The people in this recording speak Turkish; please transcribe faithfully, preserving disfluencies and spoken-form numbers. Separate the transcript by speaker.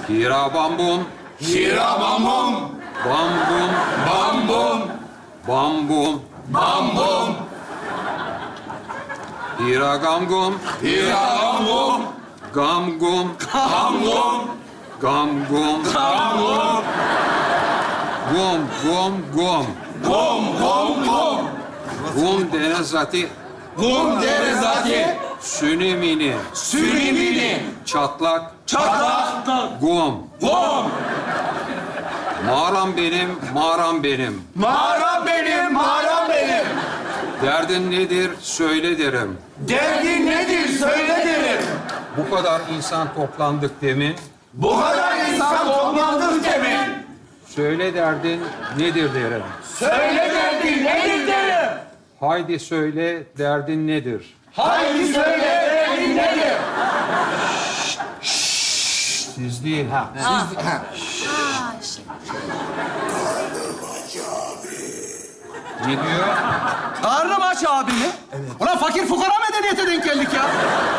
Speaker 1: Hira bambum,
Speaker 2: Hira bambum,
Speaker 1: bambum,
Speaker 2: bambum,
Speaker 1: bambum.
Speaker 2: bambum,
Speaker 1: Hira gamgum,
Speaker 2: hira bambum,
Speaker 1: gamgum,
Speaker 2: bambum,
Speaker 1: gamgum,
Speaker 2: bambum,
Speaker 1: gum, gum, gum.
Speaker 2: gum, gum, gum,
Speaker 1: Gum dene zati,
Speaker 2: gum deriz zati,
Speaker 1: sünimini,
Speaker 2: sürümini,
Speaker 1: çatlak,
Speaker 2: çatlak,
Speaker 1: gum.
Speaker 2: gum.
Speaker 1: Mağaram benim, mağaram benim.
Speaker 2: Mağaram benim, mağaram benim.
Speaker 1: Derdin nedir, söyle derim.
Speaker 2: Derdin nedir söyle derim.
Speaker 1: Bu kadar insan toplandık demin.
Speaker 2: Bu kadar insan toplandık demin.
Speaker 1: Söyle derdin nedir derim.
Speaker 2: Söyle derdin nedir derim.
Speaker 1: Haydi söyle derdin nedir?
Speaker 2: Haydi söyle derdin nedir.
Speaker 1: Siz değil. Ne diyor?
Speaker 3: Karnım aç abi mi? Evet. Ulan fakir fukara medeniyete denk geldik ya.